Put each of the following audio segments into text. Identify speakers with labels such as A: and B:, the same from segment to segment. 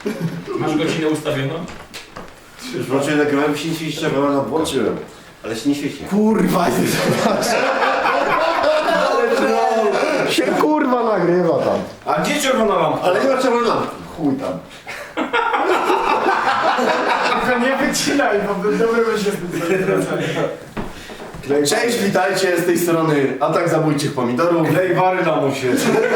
A: Masz godzinę ustawioną?
B: Już włączyłem nagrywałem, się nie świeci czerwona, no włączyłem. Ale się nie świeci.
C: Kurwa, się kurwa nagrywa tam.
B: A gdzie czerwona lampa? Ale nie ma czerwonej lampki.
C: Chuj tam.
D: Nie wycinaj, bo dobry będzie
C: Cześć, witajcie, z tej strony Atak Zabójczych Pomidorów.
B: Klej wary na musie.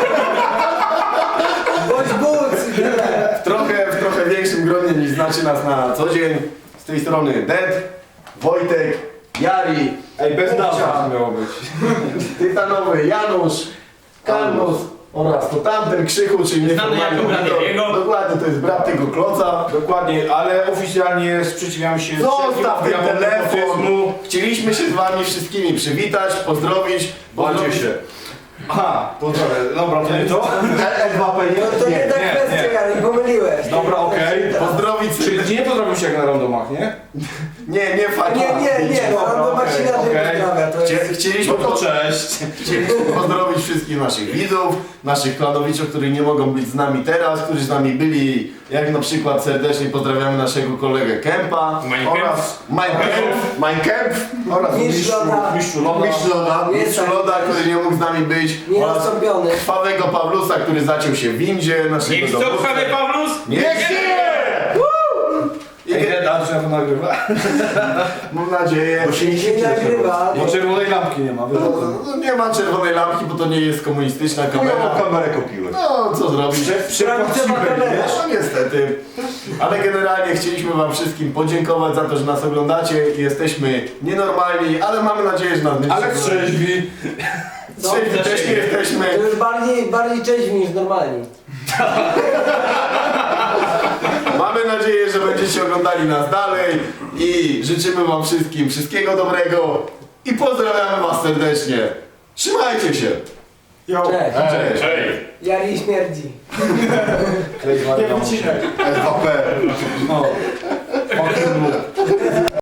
D: Bądź but!
C: W trochę większym gronie niż znacie nas na co dzień. Z tej strony Dead, Wojtek, Jari,
B: Ej, bez
C: Bubcia,
B: nazwy miało być.
C: tytanowy Janusz, Kalmus oraz to tamten Krzychu, czyli
A: Znany jako brat
C: pomidor.
A: jego.
C: Dokładnie, to jest brat tego kloca.
B: Dokładnie, ale oficjalnie sprzeciwiam się
C: Zostaw ten
B: wszelkiemu
C: telefon!
B: nepotyzmu.
C: Chcieliśmy się z wami wszystkimi przywitać, pozdrowić.
B: Bądźcie się. Aha, pozdrawiam. Dobra, to nie to?
C: L2P
D: To nie ta kwestia, Jari, pomyliłeś.
B: Dobra, okej.
C: Pozdrowić
B: Czyli nie pozdrowił się jak na randomach, nie?
C: Nie, fajnie.
D: Nie,
B: Dobra,
D: no ma się inaczej
B: okej.
D: pozdrawia, to jest...
C: Chcieliśmy,
B: No to cześć.
C: chcieliśmy pozdrowić wszystkich naszych widzów, naszych klanowiczów, którzy nie mogą być z nami teraz, którzy z nami byli, jak na przykład serdecznie pozdrawiamy naszego kolegę Kempa oraz Minecamp oraz
D: Mistrz Loda.
B: Mistrzu Loda.
C: Mistrz Loda, który nie mógł z nami być oraz
D: Nieroztąpiony.
C: krwawego Pawlusa, który zaciął się w windzie naszego
A: Niech co
C: dowódcy.
A: krwawy Pawlus?
C: Niech żyje!
B: Ej, a to się na to nagrywa?
C: Mam nadzieję, bo się
D: Nie nagrywa.
B: Bo czerwonej lampki nie ma, wiesz?
C: nie ma czerwonej lampki, bo to nie jest komunistyczna kamera.
B: kamerę kopiłeś.
C: No, co zrobić?
D: Sprawdźcie ma kamerę.
C: No niestety. Ale generalnie chcieliśmy wam wszystkim podziękować za to, że nas oglądacie. Jesteśmy nienormalni, ale mamy nadzieję, że nas będziecie
B: Ale
C: oglądać.
B: trzeźwi.
C: Trzeźwi też nie jesteśmy.
D: To już bardziej cześć niż normalni.
C: Mamy nadzieję, że będziecie oglądali nas dalej i życzymy wam wszystkim wszystkiego dobrego i pozdrawiamy was serdecznie. Trzymajcie się.
D: Cześć.
C: Cześć.
D: Jari śmierdzi.
B: Klej wary na musie.
C: LVP.
B: No.